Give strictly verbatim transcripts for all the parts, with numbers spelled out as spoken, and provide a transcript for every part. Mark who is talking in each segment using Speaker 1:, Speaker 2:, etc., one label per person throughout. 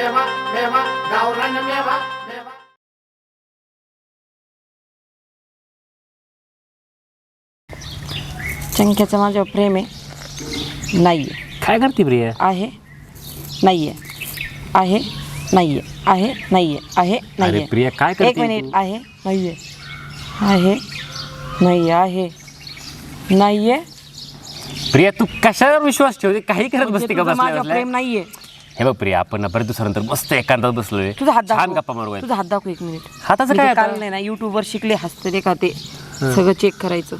Speaker 1: मेवा मेवा गावरान मेवा मेवा.
Speaker 2: चंक्याचं माझ्यावर प्रेम आहे नाहीये.
Speaker 3: काय करते प्रिया?
Speaker 2: आहे नाहीये आहे नाहीये आहे नाहीये आहे नाहीये.
Speaker 3: प्रिया काय करते
Speaker 2: एक मिनिट. आहे नाहीये आहे नाही आहे नाहीये.
Speaker 3: प्रिया तू कशावर विश्वास ठेवते? काही करत बसते का?
Speaker 2: माझ्यावर
Speaker 3: बसल्या
Speaker 2: प्रेम नाहीये.
Speaker 3: हे बघ प्रिया, आपण बरेच दिवसानंतर मस्त एकांतात बसलोय.
Speaker 2: तुझा हात
Speaker 3: छान
Speaker 2: दाखव.
Speaker 3: गप्पा मारू.
Speaker 2: तुझा हात दाखव एक मिनिट.
Speaker 3: हाताचं काय?
Speaker 2: काल नाही ना युट्यूबवर शिकले हसते का ते सगळं चेक करायचं.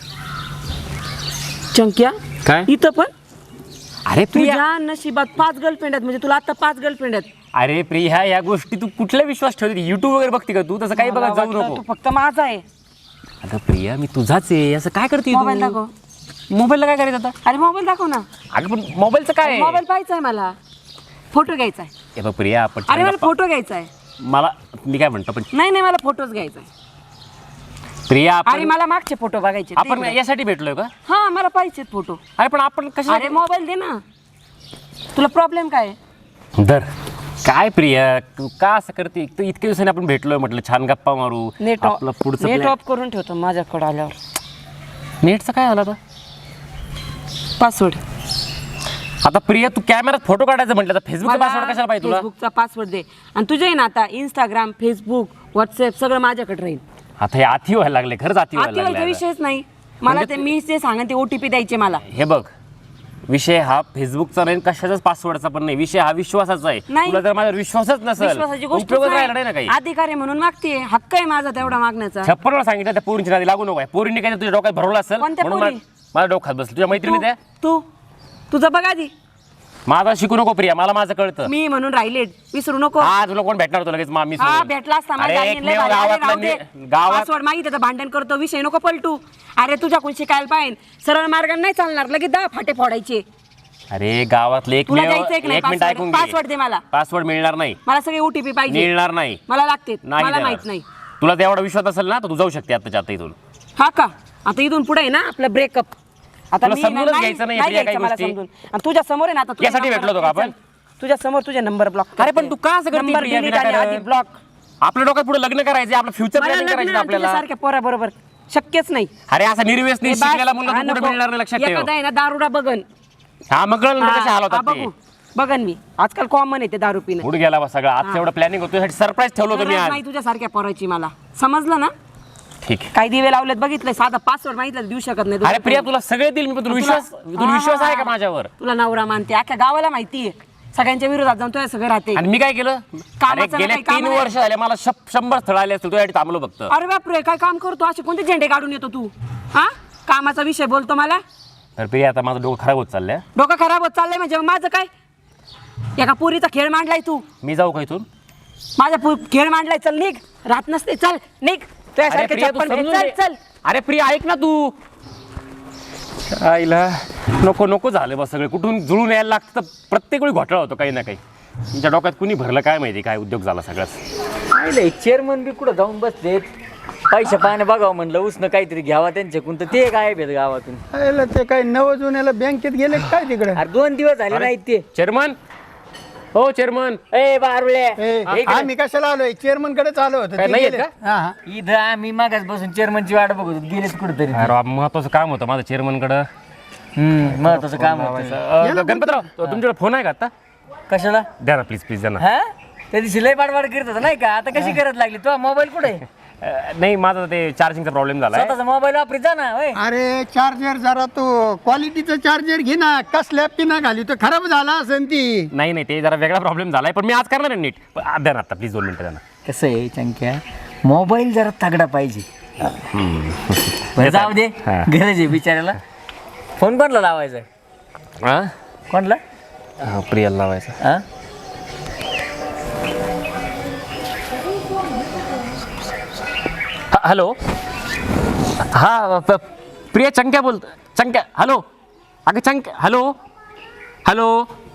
Speaker 2: चंक्या
Speaker 3: काय?
Speaker 2: इथं पण
Speaker 3: अरे प्रिया,
Speaker 2: तुझ्या नशिबात पाच गर्लफ्रेंड आहेत. म्हणजे तुला आता पाच गर्लफ्रेंड आहेत.
Speaker 3: अरे प्रिया, या गोष्टी तू कुठला विश्वास ठेवते? युट्यूब वगैरे बघते का तू? तसं काही बघत जाऊ
Speaker 2: वाटलं
Speaker 3: नको.
Speaker 2: तू फक्त माझा आहे.
Speaker 3: अगं प्रिया, मी तुझाच आहे. असं काय करते?
Speaker 2: मोबाईल दाखव.
Speaker 3: मोबाईलला काय करायचं आता?
Speaker 2: अरे मोबाईल दाखव ना.
Speaker 3: अगं पण मोबाईलचं काय आहे?
Speaker 2: मोबाईल पाहायचा आहे मला. फोटो घ्यायचा आहे.
Speaker 3: हे बघ प्रिया, आपण
Speaker 2: अरे मला
Speaker 3: गप्पा-
Speaker 2: फोटो घ्यायचा आहे.
Speaker 3: मला मी काय म्हणतो पण
Speaker 2: नाही नाही मला फोटोच घ्यायचा आहे.
Speaker 3: प्रिया,
Speaker 2: अरे
Speaker 3: आपण
Speaker 2: मला मागचे फोटो बघायचे.
Speaker 3: आपण यासाठी भेटलोय का?
Speaker 2: हा मला पाहिजेत फोटो.
Speaker 3: अरे पण आपण कशा?
Speaker 2: अरे मोबाईल दे ना. तुला प्रॉब्लेम काय आहे?
Speaker 3: दर काय प्रिया, तू का असं करते? तू इतक्या दिवसांनी आपण भेटलोय, म्हटलं छान गप्पा मारू.
Speaker 2: नेट
Speaker 3: आपलं पुढचं
Speaker 2: नेट
Speaker 3: plan-
Speaker 2: ऑफ करून ठेवतो माझ्याकडे आल्यावर.
Speaker 3: नेटचं काय झालं आता?
Speaker 2: पासवर्ड.
Speaker 3: आता प्रिया, तू कॅमेरात फोटो काढायचं म्हटलं तर फेसबुकचा पासवर्ड कशाला पाहिजे तुला?
Speaker 2: फेसबुकचा पासवर्ड दे. आणि तुझे आहे ना आता इंस्टाग्राम, फेसबुक, व्हॉट्सअप सगळं माझ्याकडे राहील.
Speaker 3: आता हे आती व्हायला लागले, खरंच आती व्हायला
Speaker 2: आती व्हायचा
Speaker 3: लागले.
Speaker 2: विषयच नाही. मला
Speaker 3: म्हणजे
Speaker 2: ते मी जे सांगा ते ओटीपी द्यायचे मला.
Speaker 3: हे बघ, विषय हा फेसबुकचा नाही, कशाचाच पासवर्डचा पण नाही. विषय हा विश्वासाचा आहे.
Speaker 2: नाही.
Speaker 3: तुला जर माझ्यावर विश्वासच नसेल,
Speaker 2: विश्वासाची गोष्ट
Speaker 3: उपयोगच राहिला नाही ना काही.
Speaker 2: अधिकार आहे म्हणून मागते. हक्क आहे माझा तेवढा मागण्याचा.
Speaker 3: छप्पन वेळा सांगितलं त्या पोरींची नादी लागू नको. पोरींनी काय तुझ्या डोक्यात भरवलं असेल
Speaker 2: कोणत्या
Speaker 3: म्हणून
Speaker 2: पोरी?
Speaker 3: मा- माझ्या डोक्यात बसलं. तुझ्या मैत्रिणी त्या
Speaker 2: तू तुझं बघ आधी.
Speaker 3: माझा शिकू नको प्रिया, मला माझं कळतं.
Speaker 2: मी म्हणून राहिले, विसरू नको.
Speaker 3: हा तुला कोण भेटणार होतं लगेच मामी
Speaker 2: हा भेटला असता माझ्या आईने लय भारी. अरे राहू दे.
Speaker 3: गावात
Speaker 2: पासवर्ड मागितलं तर भांडण करतो. विषय नको पलटू. अरे तुझ्याकडून शिकायला पाहिजे. सरळ मार्गाने नाही चालणार. लगेच दहा फाटे फोडायचे.
Speaker 3: अरे गावातले एक
Speaker 2: तुला
Speaker 3: मेव-
Speaker 2: द्यायचं एक नाही
Speaker 3: एक मिनिट
Speaker 2: पासवर्ड.
Speaker 3: ऐकून घे.
Speaker 2: पासवर्ड दे मला.
Speaker 3: पासवर्ड मिळणार नाही.
Speaker 2: मला सगळे ओटीपी पाहिजे.
Speaker 3: मिळणार नाही.
Speaker 2: मला लागते.
Speaker 3: नाही
Speaker 2: मला
Speaker 3: देणार.
Speaker 2: माहित नाही.
Speaker 3: तुला तेवढा विश्वास असेल ना तर तू जाऊ शकते आताच्या आता इथून.
Speaker 2: हा का? आता इथून पुढे आहे ना आपलं ब्रेकअप. आता
Speaker 3: तुला
Speaker 2: मी
Speaker 3: समजूनच
Speaker 2: नाही-
Speaker 3: घ्यायचं नाही
Speaker 2: नाही
Speaker 3: प्रिया
Speaker 2: घ्यायचं
Speaker 3: काही
Speaker 2: मला
Speaker 3: गोष्टी.
Speaker 2: समजून. आणि तुझ्या समोर आहे ना आता तुझे
Speaker 3: यासाठी
Speaker 2: number
Speaker 3: भेटलो होतो का आपण?
Speaker 2: तुझ्या समोर तुझे नंबर ब्लॉक.
Speaker 3: अरे पण तू का असं करते
Speaker 2: नंबर
Speaker 3: प्रिया
Speaker 2: डिलीट आणि
Speaker 3: विनाकारण?
Speaker 2: आधी ब्लॉक.
Speaker 3: आपल्या डोक्यात पुढे लग्न करायचं, आपलं फ्युचर
Speaker 2: मला
Speaker 3: प्लॅनिंग करायचं
Speaker 2: लग्न
Speaker 3: आपल्याला.
Speaker 2: सारख्या पोरा बरोबर शक्यच नाही.
Speaker 3: अरे असा निर्वेस नाही
Speaker 2: हे बास,
Speaker 3: शिकलेला मुलगा
Speaker 2: हा
Speaker 3: तू कुठे
Speaker 2: नको.
Speaker 3: मिळणार नाही, लक्षात ठेव.
Speaker 2: एखादा आहे ना दारुडा बघन.
Speaker 3: हा मग कळलं ना कशा हाल
Speaker 2: हा,
Speaker 3: होतात ते.
Speaker 2: बघू बघन मी. आजकाल कॉमन आहे ते दारू पिणं.
Speaker 3: पुढे गेला बा सगळं. आज एवढं प्लॅनिंग होतं, तुझ्यासाठी सरप्राईज ठेवलं होतं मी
Speaker 2: गरज
Speaker 3: आज.
Speaker 2: नाही तुझ्या सारख्या पोराची मला. समजलं ना?
Speaker 3: ठीक आहे.
Speaker 2: काही दिवे लावलेत बघितलंय. साधा पासवर्ड मागितलं तर देऊ शकत नाही.
Speaker 3: अरे प्रिया, तुला सगळे दिल मी, पण तुला विश्वास तुला विश्वास आहे का माझ्यावर?
Speaker 2: तुला नवरा मानते. अख्ख्या गावाला माहितीये. सगळ्यांच्या विरोधात जाऊन तुझ्या सगळं राहते.
Speaker 3: आणि मी काय केलं? अरे
Speaker 2: कामाचं
Speaker 3: गेले
Speaker 2: काही काम
Speaker 3: तीन
Speaker 2: नाही.
Speaker 3: वर्ष झाले मला शं- शंभर स्थळ आले असतील, तुझ्यासाठी थांबलो फक्त.
Speaker 2: अरे बापरे, काय काम करतो? असे कोणते झेंडे काढून येतो तू? हा कामाचा विषय बोलतो मला.
Speaker 3: तर प्रिया, आता माझं डोकं खराब होत चाललंय.
Speaker 2: डोकं खराब होत चाललंय म्हणजे मग माझं काय? एका पुरीचा खेळ मांडलाय तू.
Speaker 3: मी जाऊ का इथून?
Speaker 2: माझा पु- खेळ मांडलाय. चल निघ. राहत नसते. चल निघ.
Speaker 3: अरे
Speaker 2: तुझ्यासारखे
Speaker 3: प्रिया, तू
Speaker 2: चप्पल घे.
Speaker 3: समजून
Speaker 2: चल
Speaker 3: घे.
Speaker 2: चल.
Speaker 3: अरे प्रिया, ऐक ना तू. आईला नको नको झालं बस सगळे. कुठून जुळून यायला लागतं तर प्रत्येक वेळी घोटाळा होतो काही ना काही. तुमच्या डोक्यात कुणी भरलं काय माहिती, काय उद्योग झाला सगळ्याच.
Speaker 4: नाही चेअरमन बी कुठं जाऊन बसलेत. पैसे पाणी बघावं म्हणलं, उसनं काहीतरी घ्यावा त्यांच्याकडून, तर ते काय भेट गावातून.
Speaker 5: आयला ते काय नव जुन्याला बँकेत गेले काय तिकडे?
Speaker 4: अरे दोन दिवस झाले नाहीत ते.
Speaker 3: चेअरमन, हो चेअरमन.
Speaker 4: ए बारुळे,
Speaker 5: ए, आम्ही कशाला आलोय? चेअरमन कडेच आलो होतो.
Speaker 3: काय
Speaker 5: ते
Speaker 3: नाही आहेत
Speaker 5: गेले.
Speaker 3: का?
Speaker 5: हा, हा.
Speaker 4: इथं आम्ही मागास बसून चेअरमनची वाट बघत होतो. गेलेत कुठेतरी.
Speaker 3: अरे महत्वाचं काम होतं माझं चेअरमनकडं.
Speaker 4: हम्म महत्वाचं काम होतं.
Speaker 3: अं, गणपतराव, तुमच्याकडे फोन आहे का आता?
Speaker 4: कशाला?
Speaker 3: द्या ना प्लीज प्लीज द्या ना.
Speaker 4: हा त्या दिवशी लय बाडबाड करत होता नाही का? आता कशी करत लागली तो? मोबाईल कुठे?
Speaker 3: अं, नाही माझा ते चार्जिंगचा प्रॉब्लेम झाला
Speaker 4: स्वतःचा मोबाईल वापरीत जा ना. होय
Speaker 5: अरे चार्जर जरा तो क्वालिटीचा चार्जर घे ना. कसल्या पिना घाली तो खराब झाला असेल ती.
Speaker 3: नाही नाही ते जरा वेगळा प्रॉब्लेम झालाय, पण मी आज करणार आहे नीट. पण आ, द्या ना आता प्लीज दोन मिनिटं द्या ना.
Speaker 4: कसं आहे चंक्या, मोबाईल जरा तगडा पाहिजे. बरं, जाऊ दे.
Speaker 3: हा.
Speaker 4: गरज आहे बिचाऱ्याला. फोन कोणला लावायचा?
Speaker 3: हां
Speaker 4: कोणला?
Speaker 3: हां प्रियाला लावायचा.
Speaker 4: हा
Speaker 3: हा, हॅलो. हा प- प्रिया, चंक्या बोलत. चंक्या, हॅलो. अगं चंक्या, हॅलो हॅलो.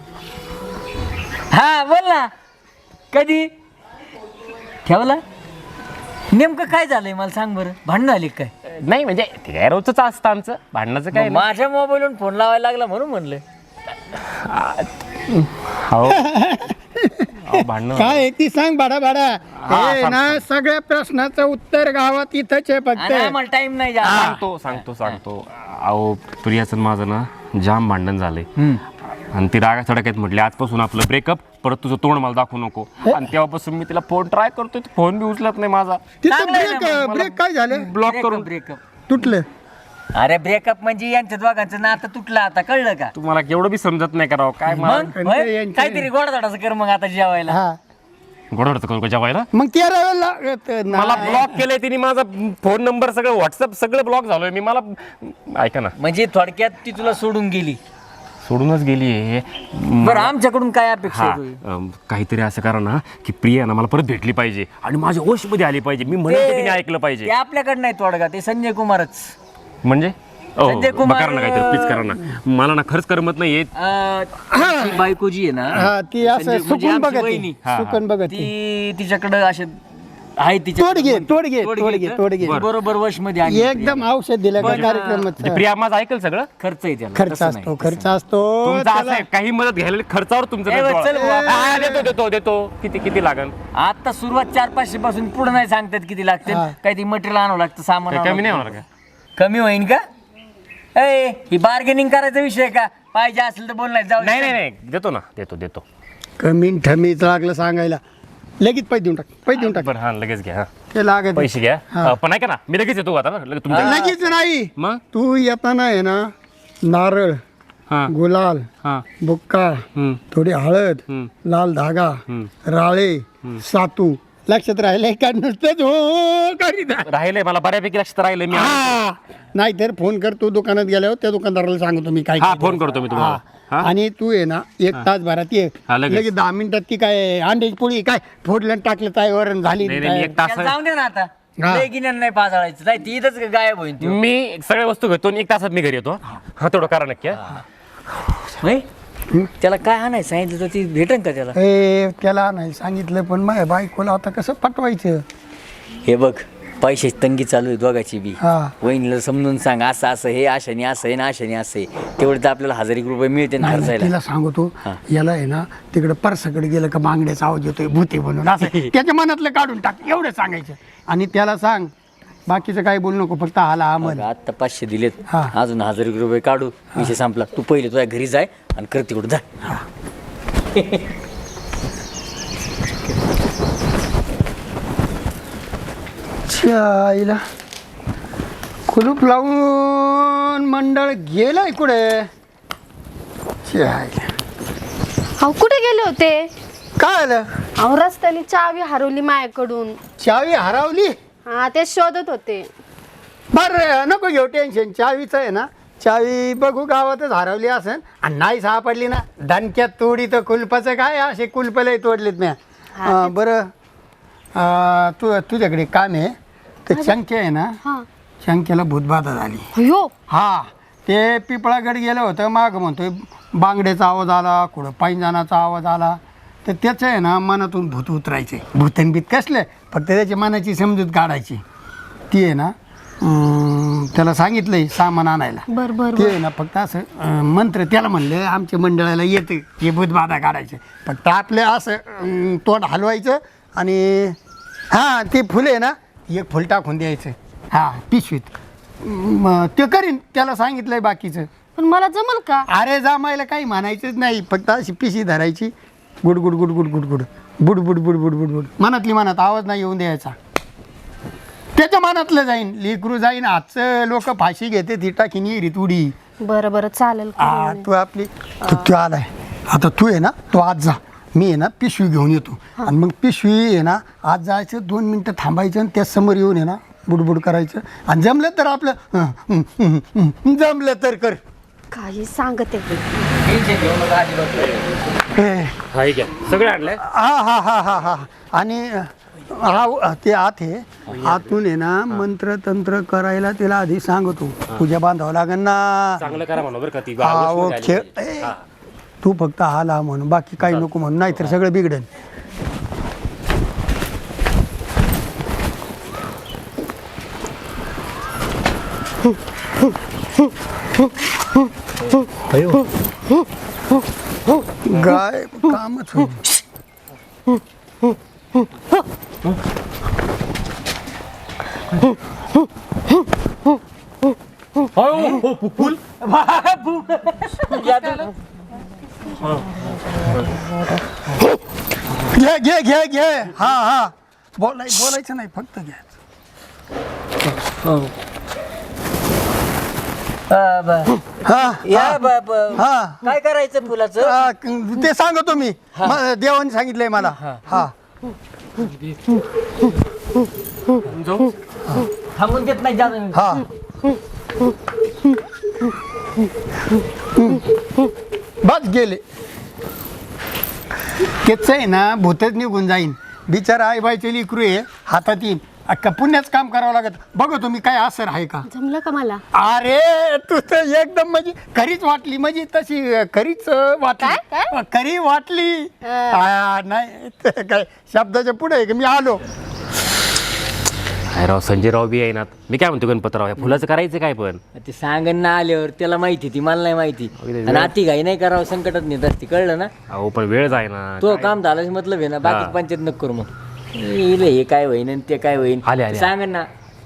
Speaker 4: हा बोल ना. कधी ठेवला? नेमकं काय झालंय मला सांग बरं. भांडण झाली काय?
Speaker 3: नाही म्हणजे ते काय रोजच असतं आमचं भांडणाचं काय
Speaker 4: मग माझ्या मोबाईलवरून फोन लावायला लागला म्हणून म्हणलं.
Speaker 3: हो अहो, भांडणं
Speaker 5: काय आहे ती सांग बाडा बाडा हे
Speaker 3: सांग,
Speaker 5: ना सगळ्या प्रश्नाचं उत्तर गावात इथंच आहे
Speaker 4: आणि
Speaker 5: फक्त
Speaker 4: आम्हाला टाइम नाही जा
Speaker 3: सांगतो सांगतो सांगतो अहो प्रियाचं आणि माझं ना जाम भांडण झालंय आणि ती रागा सडक्यात म्हटली आजपासून आपलं ब्रेकअप परत तुझं तोंड मला दाखवू नको आणि तेव्हापासून मी तिला फोन ट्राय करतोय फोन बी उचलत नाही माझा
Speaker 5: तिथं
Speaker 4: चांगलं आहे
Speaker 5: ब्रेक
Speaker 4: ना मग.
Speaker 5: ब्रेक काय झालं
Speaker 3: ब्लॉक करून
Speaker 4: ब्रेकअप
Speaker 5: तुटलं
Speaker 4: अरे ब्रेकअप म्हणजे यांच्या दोघांचं नातं तुटलं आता कळलं का
Speaker 3: तुम्हाला केवढं बी समजत नाही करावं काय मला
Speaker 4: मग होय?
Speaker 5: यांचे-
Speaker 4: काहीतरी गोडधोडाचं कर मग आता जेवायला
Speaker 5: हा
Speaker 3: गोडवडतं करू का जेवायला
Speaker 5: मग तेरा वेळेला
Speaker 3: मला ब्लॉक केलंय तिने माझा फोन नंबर सगळं व्हॉट्सअप सगळं ब्लॉक झालोय मी मला ऐका ना
Speaker 4: म्हणजे थोडक्यात ती तुला सोडून गेली
Speaker 3: सोडूनच गेली आहे
Speaker 4: बरं आमच्याकडून काय अपेक्षा
Speaker 3: हा
Speaker 4: आहे तुझी?
Speaker 3: अम, काहीतरी असं करा ना की प्रिया ना मला परत भेटली पाहिजे आणि माझ्या ओश मध्ये आली पाहिजे मी म्हणेन ते तिने ऐकलं पाहिजे
Speaker 4: ते आपल्याकडे नाही तोडगा ते संजय कुमारच
Speaker 3: म्हणजे ओ,
Speaker 4: संजय कुमार-
Speaker 3: करा ना काहीतरी प्लीज करा ना मला ना खरंच करमत नाही येत
Speaker 4: अं, ती बायको जी आहे ना
Speaker 5: हा ती असं
Speaker 4: संजय- म्हणजे
Speaker 5: सुकून
Speaker 4: आमची
Speaker 5: बघत
Speaker 4: वहिनी.
Speaker 3: हा, हा.
Speaker 5: सुकून बघत
Speaker 4: ती तिच्याकडे असे आहे तिच्या
Speaker 5: तोडगे, तोडगे, तोडगे, तोडगे.
Speaker 4: बरोबर वश मध्ये आणली.
Speaker 5: एकदम औषध दिलं का
Speaker 4: पण,
Speaker 5: कार्यक्रमात
Speaker 3: म्हणजे प्रिया माझं ऐकल सगळं
Speaker 4: खर्च आहे त्याला
Speaker 5: खर्च
Speaker 4: तसं नाही.
Speaker 5: असतो खर्च असतो
Speaker 3: तुमचं असं
Speaker 5: त्याला-
Speaker 3: आहे, काही मदत घ्यायला खर्चावर तुमचं
Speaker 4: ए,
Speaker 3: देतो.
Speaker 4: चल बुवा.
Speaker 3: हा, देतो देतो देतो किती किती लागन
Speaker 4: आता सुरुवात चार पाचशे पासून पुढे नाही सांगतात किती लागते
Speaker 5: हा.
Speaker 4: काही ती मटेरियल आणावं लागतं सामान
Speaker 3: काही
Speaker 4: आणावं
Speaker 3: कमी नाही
Speaker 4: लागतं.
Speaker 3: होणार का
Speaker 4: कमी होईन का ए ही बार्गेनिंग करायचा विषय का पाहिजे असेल तर बोल नाही जाऊ
Speaker 3: नाही नाही नाही देतो ना देतो देतो
Speaker 5: कमी ठमीच लागलं सांगायला लगेच पैसे देऊन टाक पैसे देऊन टाक
Speaker 3: बरं हा लगेच घ्या हा.
Speaker 5: ते लागत
Speaker 3: पैसे घ्या अ, पण ऐका ना मी लगेच येतो आता ना लगेच तुमच्या
Speaker 5: लगेच नाही
Speaker 3: मग
Speaker 5: तू येताना आहे ना नारळ
Speaker 3: हा
Speaker 5: गुलाल
Speaker 3: हा
Speaker 5: बुक्का
Speaker 3: हम्म.
Speaker 5: थोडी हळद
Speaker 3: हम्म.
Speaker 5: लाल धागा राळे सातू लक्षात राहिले का नुसतंच हो करीत आहे.
Speaker 3: राहिले मला बऱ्यापैकी लक्षात राहिले मी
Speaker 5: हा नाहीतर फोन कर तू दुकानात गेल्यावर त्या दुकानदाराला सांगतो मी काय
Speaker 3: हा
Speaker 5: काय
Speaker 3: फोन करतो मी तुम्हाला
Speaker 5: हा.
Speaker 3: हा?
Speaker 5: आणि तू आहे ना एक तास भरात ये
Speaker 3: हा, लगेच.
Speaker 5: लगेच दहा मिनिटात ती काय अंड्याची पोळी काय फोडलं आणि टाकलं ताईवर झाली
Speaker 3: नाही नाही मी एक तास
Speaker 4: त्याला जाऊन दे ना आता
Speaker 5: हा.
Speaker 4: लय गिन्यान नाही पाजाळायचं नाही ती इथंच गायब होईन ती
Speaker 3: मी सगळ्या वस्तू घेतो आणि एक तासात मी घरी येतो हा तेवढं करा नक्की हा.
Speaker 4: होय? त्याला काय आणायचं सांगितलं तर ती भेटेन का त्याला
Speaker 5: ए त्याला नाही सांगितलं पण माझ्या बायकोला आता कसं पटवायचं
Speaker 4: हे बघ पैशाची तंगी चालू आहे दोघाची बी
Speaker 5: हा.
Speaker 4: वहिनीला समजून सांग असं असं हे आशाने असं आहे ना आशाने असं आहे तेवढे तर आपल्याला हजार एक रुपये मिळते ना
Speaker 5: नाही,
Speaker 4: खर्चायला
Speaker 5: तिला सांगतो याला आहे ना तिकडे परसाकडे गेलं का बांगड्याचा आवाज येतोय भूते म्हणून असं त्याच्या मनातलं काढून टाक एवढं सांगायचं आणि त्याला सांग बाकीचं काही बोलू नको फक्त हाला हा म्हण
Speaker 4: आता पाचशे दिलेत
Speaker 5: हा.
Speaker 4: अजून हजार एक रुपये काढू विषय संपला तू पहिले तुझ्या घरी जाय आणि कर तिकडून जा
Speaker 5: आईला कुलूप लावून मंडळ गेलंय कुठे आईला.
Speaker 6: अहो कुठे गेले होते
Speaker 5: काय आलं
Speaker 6: अहो रस्त्याने चावी हरवली माझ्याकडून
Speaker 5: चावी हरवली
Speaker 6: हा ते शोधत होते
Speaker 5: बर नको घेऊ टेन्शन चावीचं आहे ना चावी बघू गावातच हरवली असेल आणि नाही सापडली ना दणक्यात तोडी तर कुलपाचं काय असे कुलपलंही तोडलेत म्या अं, बरं अं, तू तुझ्याकडे काम आहे ते चंके आहे ना
Speaker 6: हा
Speaker 5: चंकेला भूतबाधा झाली
Speaker 6: अयो
Speaker 5: हा ते पिपळागड गेलं होतं माग म्हणतोय बांगड्याचा आवाज आला कुठं पैंजानाचा आवाज आला तर त्याचं आहे ना मनातून भूत उतरायचे भूतनबीत कसले फक्त त्याची मनाची समजूत काढायची ती आहे ना अं, त्याला सांगितलंय सामान आणायला
Speaker 6: बर बर
Speaker 5: ते आहे ना फक्त असं अं, मंत्र त्याला म्हणले आमच्या मंडळाला येते हे भूतबाधा काढायचे फक्त आपलं असं अं, तोंड हलवायचं आणि हां ते फुलं आहे ना एक फुल टाकून द्यायचं हां पिशवीत म, ते करीन त्याला सांगितलंय बाकीचं
Speaker 6: पण मला जमल का
Speaker 5: अरे जमायला काही म्हणायचंच नाही फक्त अशी पिशी धरायची गुड गुड गुड गुड गुड गुड बुड बुड बुड बुड बुड बुड मनातली मनात आवाज नाही येऊन द्यायचा त्याच्या मनातलं जाईन लेकरू जाईन आजचं लोक फाशी घेते ती टाकीन येरीत उडी
Speaker 6: बरं बरं चालेल
Speaker 5: हा तू आपली तू तू आलाय आता तू आहे ना तू आज जा मी आहे ना पिशवी घेऊन येतो आणि मग पिशवी आहे ना आज जायचं दोन मिनटं थांबायचं आणि त्या समोर येऊन आहे ना बुडबुड करायचं आणि जमलं तर आपलं हं, हं, हं, हं, जमलं तर कर
Speaker 6: काही सांगते
Speaker 5: हे,
Speaker 3: हा घ्या सगळे आणलंय
Speaker 5: हा हा हा हा हा आणि हा ते आत आहे आतून आहे ना मंत्र तंत्र करायला तिला आधी सांगतो पूजा बांधावं लागेल ना
Speaker 3: चांगलं करा म्हणा बरं का ती
Speaker 5: हा ओ
Speaker 3: गोष्ट
Speaker 5: खेळ
Speaker 3: झाली.
Speaker 5: ए, तू फक्त हाला म्हणून बाकी काही नको म्हणून नाहीतर सगळं बिघडेल गाय कामच होईल
Speaker 3: फुल
Speaker 5: घे घे घे घे हा हा बोलाय बोलायचं नाही फक्त घ्यायचं.
Speaker 4: हा, बर.
Speaker 5: हा
Speaker 4: या बाप
Speaker 5: हा.
Speaker 4: काय करायचं फुलाचं
Speaker 5: हा, ते सांगतो मी म- देवाने सांगितलंय मला हा
Speaker 3: जाऊ
Speaker 4: थांबून देत नाही जाणं
Speaker 5: हा बस गेले तेच आहे ना भूतच निघून जाईन बिचारा आई बाईचे लिकरू आहे हातात येईन अख्खा पुण्याच काम करावं लागत बघ तुम्ही काय असर आहे का.
Speaker 6: जमलं का मला?
Speaker 5: अरे तू तर एकदम म्हणजे खरीच वाटली म्हणजे तशी खरीच वाटली
Speaker 6: काय?
Speaker 5: खरी वाटली आ, नाही ते काय शब्दाच्या पुढे आहे का मी आलो.
Speaker 3: काय राव संजय राव बी आहे ना मी काय म्हणतो गणपतराव या फुलाचं करायचं काय पण
Speaker 4: ते सांगन ना आल्यावर त्याला माहिती ती मला नाही माहिती
Speaker 3: अगदी
Speaker 4: आणि अति घाई नाही करावं संकटात नेत असते कळलं ना.
Speaker 3: अहो पण वेळ जाय ना
Speaker 4: तो काम झालं मतलब आहे ना बाकी
Speaker 3: हा.
Speaker 4: पंचायत नको करू मग इले हे काय होईन आणि ते काय होईन
Speaker 3: आले, आले.
Speaker 4: सांगन ना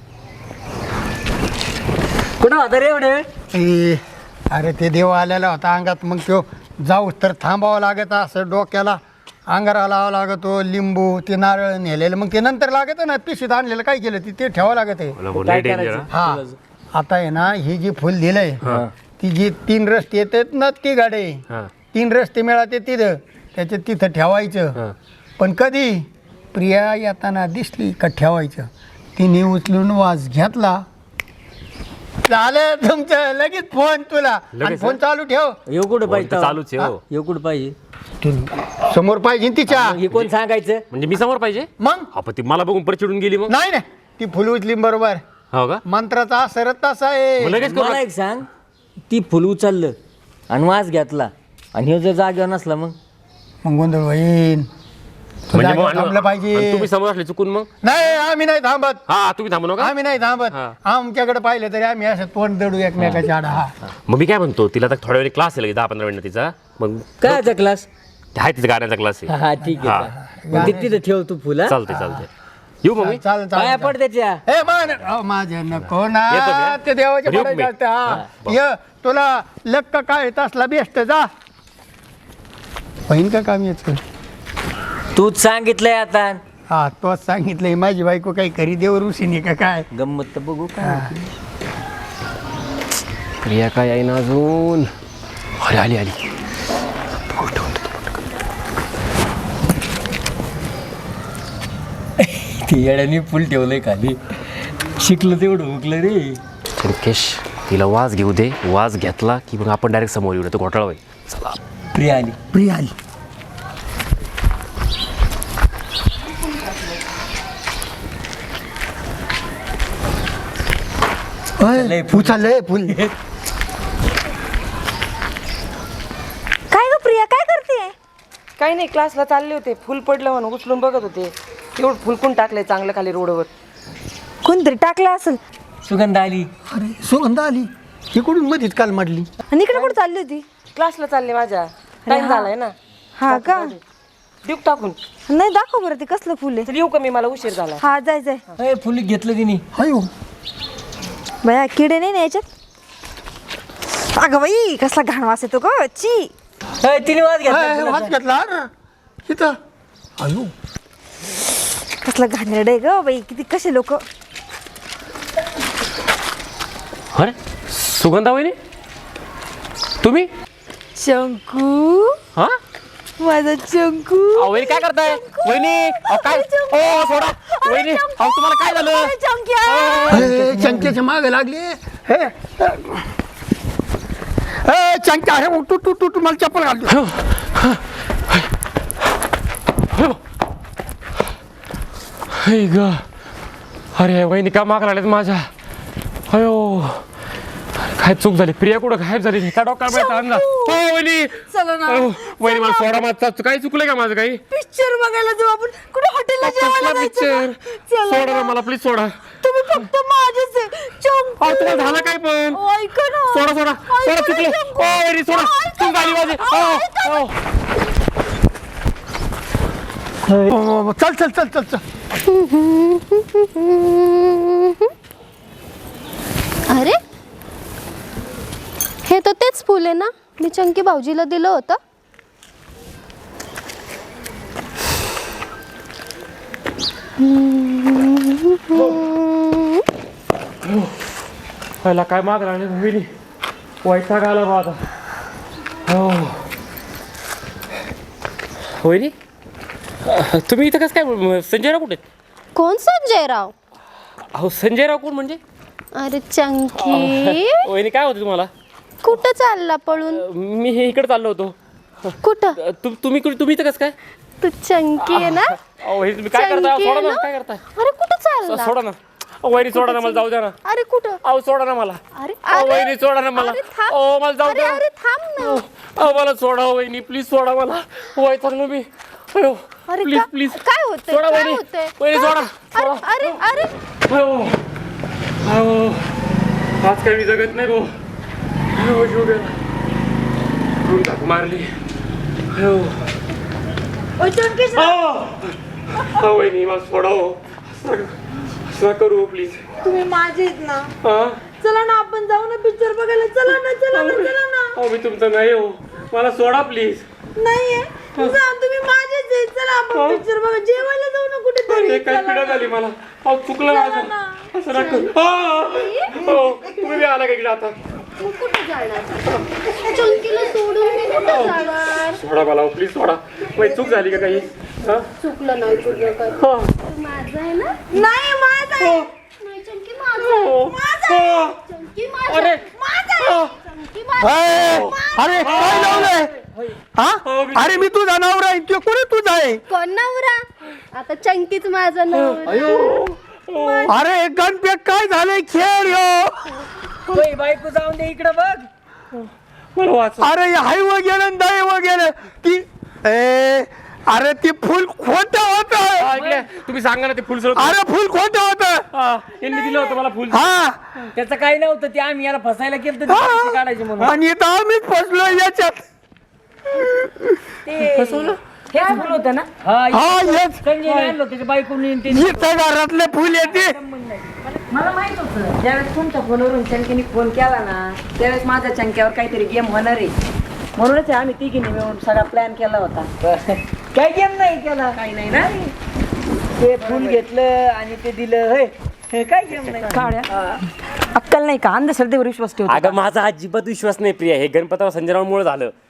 Speaker 4: कुठं होता रे एवढे वेळ?
Speaker 5: ए, अरे ते देव आलेला होता अंगात मग तो जाऊ तर थांबावं लागत असं डोक्याला अंगारा लावावं लागतो लिंबू ते नारळ नेलेलं मग ते नंतर लागत ना पिशीत आणलेलं काय केलं ते ते ठेवावं लागत आहे.
Speaker 3: मला बोलले
Speaker 4: काय
Speaker 3: डेंजर
Speaker 4: करायचं?
Speaker 5: हा आता आहे ना ही जी फुल दिलंय ती जी तीन रस्ते येतात ना ती गाडी
Speaker 3: हा
Speaker 5: तीन रस्ते मिळाले तिथं त्याच्यात तिथं ठेवायचं
Speaker 3: हा.
Speaker 5: पण कधी प्रिया येताना दिसली का ठेवायचं तिने उचलून वास घेतला झालं तुमचं लगेच फोन तुला आणि
Speaker 3: लगेच,
Speaker 5: फोन चालू ठेव
Speaker 4: येऊ कुठं पाहिजे
Speaker 3: तर चालूच आहे, हो.
Speaker 4: येऊ कुठं पाहिजे
Speaker 5: तू समोर पाहिजे ना तिच्या
Speaker 4: मग हे कोण सांगायचं
Speaker 3: म्हणजे मी समोर पाहिजे
Speaker 5: मग
Speaker 3: हा पण ती मला बघून परत चिडून गेली मग
Speaker 5: नाही ना ती फुल उचली बरोबर
Speaker 3: हो का
Speaker 5: मंत्राचा असरच तसा
Speaker 3: मग
Speaker 5: आहे
Speaker 3: लगेच करू
Speaker 4: मला एक सांग ती फुल उचललं आणि वास घेतला आणि हे जर जागेवर नसला मग
Speaker 5: मग गोंधळ होईन तू
Speaker 3: म्हणजे
Speaker 5: जागेवर
Speaker 3: मग-
Speaker 5: थांबलं
Speaker 3: आणि
Speaker 5: पाहिजे
Speaker 3: तुम्ही समोर असले चुकून मग
Speaker 5: नाही आम्ही नाही थांबत
Speaker 3: हा तुम्ही थांबू नका
Speaker 5: आम्ही नाही थांबत
Speaker 3: हा.
Speaker 5: आमच्याकडे पाहिलं तरी आम्ही असं तोंड दडू एकमेकाच्या आडा हा
Speaker 3: मग मी काय म्हणतो तिला आता थोड्या वेळ क्लास आहे दहा पंधरा मिनिट तिचा मग
Speaker 4: काय क्लास
Speaker 3: ते आहे तिचा गाण्याचा क्लास आहे
Speaker 4: हा ठीक
Speaker 3: हा.
Speaker 4: आहे मग ते तिथं ठेव तू फुल हा?
Speaker 3: चालते चालते येऊ मग मी
Speaker 5: चाल
Speaker 4: पाया
Speaker 5: चाल
Speaker 4: पड त्याच्या
Speaker 5: ए मान अहो, माझ्या नको
Speaker 3: येतो
Speaker 5: ना
Speaker 3: मी.
Speaker 5: ते देवाचे
Speaker 3: येऊ
Speaker 5: पडायचे
Speaker 3: मी.
Speaker 5: असते हा ये तुला लक्क काय तसला बेस्ट जा होईन का काम याच
Speaker 4: तूच सांगितलंय आता
Speaker 5: हा तोच सांगितलंय माझी बायको काही करी देव ऋषीने का काय
Speaker 4: गंमत तर बघू काय
Speaker 3: प्रिया काय आहे ना अजून अरे आली आली
Speaker 4: ते येड्याने फुल ठेवलंय खाली शिकलं तेवढं हुकलं रे
Speaker 3: संकेश तिला वाज घेऊ दे वाज घेतला की मग आपण डायरेक्ट समोर येऊ तो घोटाळा होईल चला
Speaker 4: प्रिया आली
Speaker 5: प्रिया आली
Speaker 4: लय फुल.
Speaker 5: उचललंय फुल
Speaker 7: काय ग प्रिया काय करते
Speaker 2: काही नाही क्लासला चालले होते फुल पडलं म्हणून उचलून बघत होते तेवढं फुलकून टाकलंय चांगलं खाली रोडवर.
Speaker 7: कोणतरी टाकलं असेल
Speaker 4: सुगंध आली
Speaker 5: अरे सुगंध आली इकडून मधीच काल मांडली
Speaker 7: आणि इकडे कुठे चालली होती
Speaker 2: क्लासला चालले माझ्या टाइम झालाय ना
Speaker 7: हा का
Speaker 2: देऊ टाकून
Speaker 7: नाही दाखव बरं ते कसलं फुल आहे
Speaker 2: तर येऊ का मी मला उशीर झाला.
Speaker 7: हा जाय जाय
Speaker 4: अय फुल घेतलं तिने
Speaker 5: अयो
Speaker 7: बाया किडे नाही ना याच्यात अगं बाई कसला घाण वास येतो ग ची
Speaker 4: अय, तिने वाज घेतला
Speaker 5: हात
Speaker 4: फुलाचा.
Speaker 5: घेतला ना इथं अयो
Speaker 7: कसला घाणेरडं आहे ग बाई किती कसे लोक
Speaker 3: अरे सुगंधा वहिनी तुम्ही
Speaker 7: चंकू
Speaker 3: हा
Speaker 7: माझा चंकू
Speaker 3: अहो, वहिनी काय करताय वहिनी अहो, काय ओ सोडा वहिनी अहो तुम्हाला काय झालं
Speaker 7: चंक्या
Speaker 5: ए, चंक्याच्या मागे लागली हे ए, चंक्या हे तू तू तू तू मला चप्पल घालतो
Speaker 3: हे ग अरे वहिनी का माग लागल्यात माझ्या अयो काय चूक झाली प्रिया कुठं गायब झाली त्या डॉक्टर आणला हो वहिनी
Speaker 7: चला ना
Speaker 3: अहो, वहिनी मला सोडा माझा काही चुकलंय का माझं काही
Speaker 7: पिक्चर बघायला जाऊ आपण कुठे हॉटेलला जेवायला
Speaker 3: कसला
Speaker 7: जायचं
Speaker 3: पिक्चर
Speaker 7: ना? चला
Speaker 3: सोडा ना
Speaker 7: ना.
Speaker 3: मला प्लीज सोडा
Speaker 7: तुम्ही फक्त माझेच आहे. चंकू
Speaker 3: अहो तुम्हाला झालं काय पण
Speaker 7: ओ, ऐका ना
Speaker 3: सोडा सोडा सोडा
Speaker 7: ऐका ना,
Speaker 3: चुकलं
Speaker 7: चंकू.
Speaker 3: ओ वहिनी सोडा
Speaker 7: ऐका
Speaker 3: चूक झाली
Speaker 7: ना.
Speaker 3: माझी
Speaker 7: अहो,
Speaker 3: अहो,
Speaker 7: ऐका ना.
Speaker 3: अहो.
Speaker 5: चल चल चल चल चल
Speaker 6: अरे हे तर तेच फुल आहे ना, मी चंकी भाऊजीला दिलं होतं.
Speaker 3: पहिला काय माग राहिले होईल वैताग आला बा आता. हो होईल. तुम्ही इथं कसं काय? संजयराव कुठे आहेत?
Speaker 6: कोण संजयराव?
Speaker 3: अहो संजयराव कोण म्हणजे?
Speaker 6: अरे चंकी
Speaker 3: वहिनी काय होते तुम्हाला?
Speaker 6: कुठं चालला पळून?
Speaker 3: मी हे इकडे चाललो होतो.
Speaker 6: कुठं?
Speaker 3: तु- तुम्ही कुठे- तुम्ही इथं कसं काय?
Speaker 6: तू चंकी आहे ना?
Speaker 3: अहो वहिनी तुम्ही काय करताय?
Speaker 6: चंकी
Speaker 3: सोडा
Speaker 6: आहे
Speaker 3: ना.
Speaker 6: ना?
Speaker 3: काय करताय?
Speaker 6: अरे कुठं चालला?
Speaker 3: सोडा ना. अहो वहिनी सोडा ना मला, जाऊ द्या ना.
Speaker 6: अरे कुठं?
Speaker 3: अहो सोडा ना मला.
Speaker 6: अरे
Speaker 3: अहो
Speaker 6: अरे
Speaker 3: वहिनी सोडा ना मला.
Speaker 6: अरे थांब.
Speaker 3: अहो मला जाऊ
Speaker 6: अरे
Speaker 3: द्या.
Speaker 6: अरे थांब ना.
Speaker 3: अहो मला सोडा वहिनी, प्लीज सोडा मला. वैतागलो मी. अयो
Speaker 6: अरे
Speaker 3: प्लीज
Speaker 6: का-
Speaker 3: प्लीज
Speaker 6: काय होतंय?
Speaker 3: सोडा
Speaker 6: काय
Speaker 3: वहिनी.
Speaker 6: होतंय?
Speaker 3: वहिनी सोडा.
Speaker 6: अरे
Speaker 3: सोडा.
Speaker 6: अरे अरे
Speaker 3: अहो अहो आज काय मी जगत नाही भाऊ. अहो जीव गेला. रूम टाकू मारली. अहो अहो वहिनी मला सोडा हो. असं असं करू प्लीज.
Speaker 7: तुम्ही माझेच ना.
Speaker 3: हा
Speaker 7: चला ना आपण जाऊ ना पिक्चर बघायला. चला ना चला ना चला ना.
Speaker 3: अहो मी तुमचं नाही हो, मला सोडा प्लीज.
Speaker 7: नाहीये जा, तुम्ही माझेच आहे. चला आपण पिक्चर बघा. जेवायला जाऊ ना कुठेतरी.
Speaker 3: अरे काय पिढा झाली मला. अहो चुकलं माझं. असं नका. हो तुम्ही बी आला का इकडे आता?
Speaker 6: मग कुठं जाणार? चंकीला सोडून मी कुठं जाणार?
Speaker 3: सोडा मला प्लीज सोडा. माझी चूक झाली का काही? हा?
Speaker 6: चुकलं नाही तुझं काय.
Speaker 3: हा.
Speaker 6: माझं आहे ना?
Speaker 7: नाही माझा आहे.
Speaker 6: नाही चंकी माझं आहे.
Speaker 3: हो. हो.
Speaker 6: चंकी माझं
Speaker 3: अरे
Speaker 6: आहे.
Speaker 3: हा.
Speaker 6: चंकी माझं आहे.
Speaker 5: ए, अरे काय लावलंय हा? अरे मी तुझा नवरा आहे. तो कोणी तुझा आहे?
Speaker 6: कोण नवरा? आता चंकीच माझं नवरा.
Speaker 5: अरे गणपेट काय झालंय? खेळ यो.
Speaker 4: तोय बायको जाऊन दे इकडं बघ.
Speaker 3: मला वाच.
Speaker 5: अरे हाय वगैरे दय वगैरे ती ए अरे ती फुल खोट होत.
Speaker 3: ऐकलं तुम्ही सांगा ना ते फुल सोड.
Speaker 5: अरे फुल खोट होत.
Speaker 3: यांनी दिलं होतं मला फुल.
Speaker 5: हा
Speaker 4: त्याचं काही नव्हतं, ते आम्ही याला फसायला केलं तर पैसे काढायचे म्हणून.
Speaker 5: आणि इथं आम्हीच फसलो याच्यात.
Speaker 4: ते हेच फुल होतं ना. हा
Speaker 5: हा येस
Speaker 4: संजय आणलं त्याच्या बायकोनी आणि ते.
Speaker 5: इथं घरातले फुल येते.
Speaker 2: मला माहित होतं ज्यावेळेस तुमच्या फोनवरून चंकीने फोन केला ना त्यावेळेस माझ्या चंक्यावर काहीतरी गेम होणार आहे. म्हणूनच आम्ही तिघीने मिळून सगळा प्लॅन केला होता.
Speaker 4: काय गेम नाही केला.
Speaker 2: काही नाही ना.
Speaker 4: ते फुल घेतलं आणि ते दिलं. होय हे काय गेम नाही.
Speaker 2: अक्कल नाही का? अंधश्रद्धेवर विश्वास ठेवतो.
Speaker 3: अगं माझा अजिबात विश्वास नाही प्रिया. हे गणपतावर संजयरावमुळे झालं.